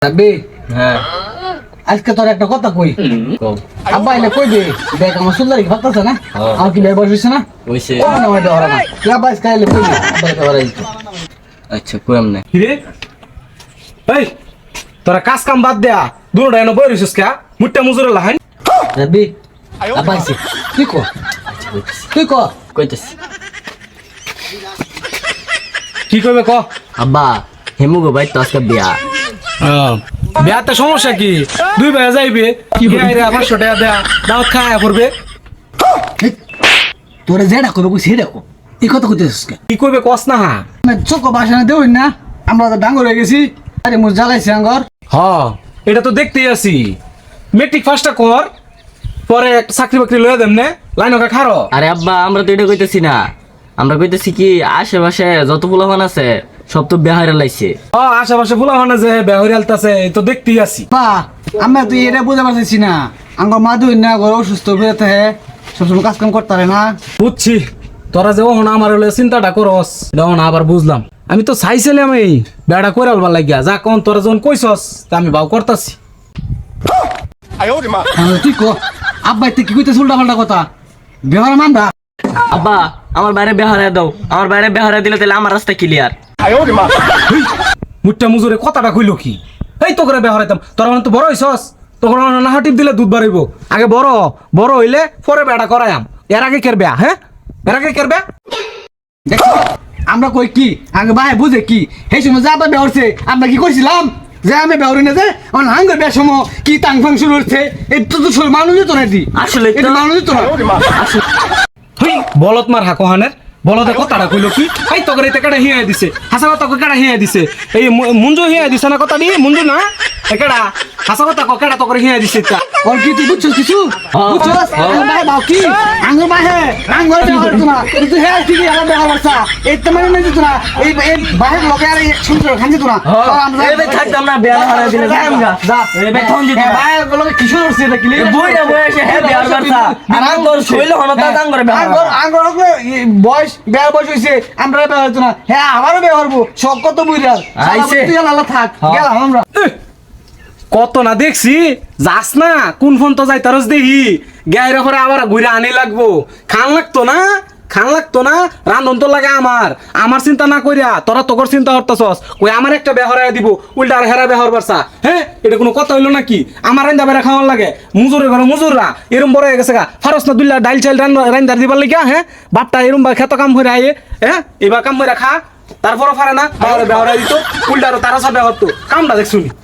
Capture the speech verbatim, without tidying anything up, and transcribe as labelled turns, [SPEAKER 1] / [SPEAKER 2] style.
[SPEAKER 1] রাব্বি
[SPEAKER 2] হ্যাঁ
[SPEAKER 1] আজকে তোর একটা কথা কই আব্বা এনে কই দে দেখ আমার সুন্দরী ভাবতেছে না আমার কি ভাই বসেছে না
[SPEAKER 2] ওইসে
[SPEAKER 1] ও না ওইটা ওরা না তুই আব্বা আজকে এলে কই দে আব্বা এটা ওরা দিত
[SPEAKER 2] আচ্ছা কইম না
[SPEAKER 3] কিরে এই তোরা কাজ কাম বাদ দেয়া দুটো এনে বই রইছিস কা মুট্টা মুজুরে লাহান
[SPEAKER 1] রাব্বি আব্বা আইছে তুই কো তুই কো
[SPEAKER 2] কইতেছি
[SPEAKER 3] কি কইবে ক
[SPEAKER 2] আব্বা হেমু গো ভাই তো আজকে বিয়া
[SPEAKER 3] বিয়াতে সমস্যা কি দুই ভাই যাইবে কি রে আমার ছোট দেয়া দাওয়াত খায়া করবে
[SPEAKER 1] তোরে যেটা কইবে কই সেটা কো এই কথা কইতেছিস কে
[SPEAKER 3] কি কইবে কস না হা
[SPEAKER 1] না চোখ বাসনা দেউই না আমরা তো ডাঙ্গর হয়ে গেছি আরে মুজ জ্বালাইছে আঙ্গর
[SPEAKER 3] হ এটা তো দেখতেই আছি মেট্রিক ফার্স্টটা কর পরে একটা চাকরি বাকরি লয়ে দেন নে লাইন ওকে খারো
[SPEAKER 2] আরে আব্বা আমরা তো এটা কইতেছি না আমরা কইতেছি কি আশেপাশে যত পোলাপান আছে সব তো বিয়া হইরা লাইছে
[SPEAKER 3] হ আশেপাশে ফুলা হয় না যে বেহরি আলতাছে এই তো দেখতেই আছি
[SPEAKER 1] বা আমরা তুই এটা বুঝতে পারছিস না আঙ্গর মা দুই না ঘর অসুস্থ হয়ে থাকে সবসময় কাজ কাম করতে পারে না
[SPEAKER 3] বুঝছি তোরা যে ওহন আমার হলে চিন্তাটা করস তখন আবার বুঝলাম আমি তো চাইছিলাম এই বেড়া করে আলবার লাগিয়া যা কোন তোরা যখন কইছস তা আমি বাউ করতাছি
[SPEAKER 1] তাহলে তুই কো আব্বা তুই কি কইতেছ উল্টা পাল্টা কথা ব্যবহার মানবা
[SPEAKER 2] আব্বা আমার বাইরে বিয়া হইরা দাও আমার বাইরে বিয়া হইরা দিলে তাহলে আমার রাস্তা ক্লিয়ার
[SPEAKER 3] মুট্টা মুজুরে কথাটা কইলো কি এই তো করে বেহরাইতাম তোরা মানে তো বড় হইছস তখন না হাটিপ দিলে দুধ বাড়াইব আগে বড় বড় হইলে পরে বেড়া করায়াম এর আগে কের বেয়া হ্যাঁ এর আগে কের বেয়া
[SPEAKER 1] দেখো আমরা কই কি আগে ভাই বুঝে কি এই সময় যা আব্বা বেহরছে আমরা কি কইছিলাম যে আমি বেহরি না যে আমার হাঙ্গর বেশ সময় কি তাং ফাং শুরু হচ্ছে এই তো তো মানুষই তো না দি
[SPEAKER 2] আসলে তো-
[SPEAKER 1] এটা মানুষই তো না
[SPEAKER 3] হই বলত মার হাকোহানের বলদে কথাটা কইলো কি এই তো করে কেডা হিয়া দিছে হাসা কথা কেডা হিয়া দিছে এই মু- মুঞ্জু হিয়া দিছে না কথা দি মুঞ্জু না একেডা হাসা কথা কেডা তো করে হিয়া দিছে তা
[SPEAKER 1] ওর কি তুই বুঝছিস কিছু বুঝছিস আঙ্গর ভাই বাও কি আঙ্গর ভাই হে আঙ্গর বেহর তো না তুই হে কি আমার বেহর বাসা এই তো মানে নাই তো না এই এই ভাই লোকে আর এক সুন্দর খানজি তো না আমরা
[SPEAKER 2] এই বে থাকতাম না বিয়া হইরা দিলে
[SPEAKER 1] যা আমরা যা
[SPEAKER 2] এই বে থন দিতে
[SPEAKER 1] ভাই লোকে কি শুরু হচ্ছে দেখলি
[SPEAKER 2] বইরা বয়সে হে বিয়ার বারসা আর আম তোর শৈল হনতা দাং করে বিয়া
[SPEAKER 1] আঙ্গর আঙ্গর বয়স বেয়ার বয়স হইছে আমরা বেহর তো না হ্যাঁ আমারও বেহরবো শখ কত বুইরাল
[SPEAKER 2] আইছে।
[SPEAKER 1] তুই আল্লাহ থাক গেলাম আমরা
[SPEAKER 3] এহ, কত না দেখছি যাস না কোন ফোন তো যাই তারস দেখি গায়ের পরে আবার ঘুরে আনি লাগবো খান লাগতো না খান লাগতো না রান্ধন তো লাগে আমার আমার চিন্তা না করিয়া তোরা তোর চিন্তা করতেছস কই আমার একটা বেহরাই দিব উল্টা আর হেরা বেহর বারসা হ্যাঁ এটা কোনো কথা হইলো নাকি আমার রান্দা বেড়া খাওয়ার লাগে মুজুরে ঘরে মুজুররা এরম বড় হয়ে গেছে গা ফারস না দুল্লা ডাইল চাইল রান্দার দিবার লাগিয়া হ্যাঁ বাপটা এরম বা খেত কাম হয়ে আয়ে হ্যাঁ এবার কাম হয়ে খা তারপরও পারে না বেহরাই দিত উল্টা আরো তারা সব বেহর তো কামটা দেখছুনি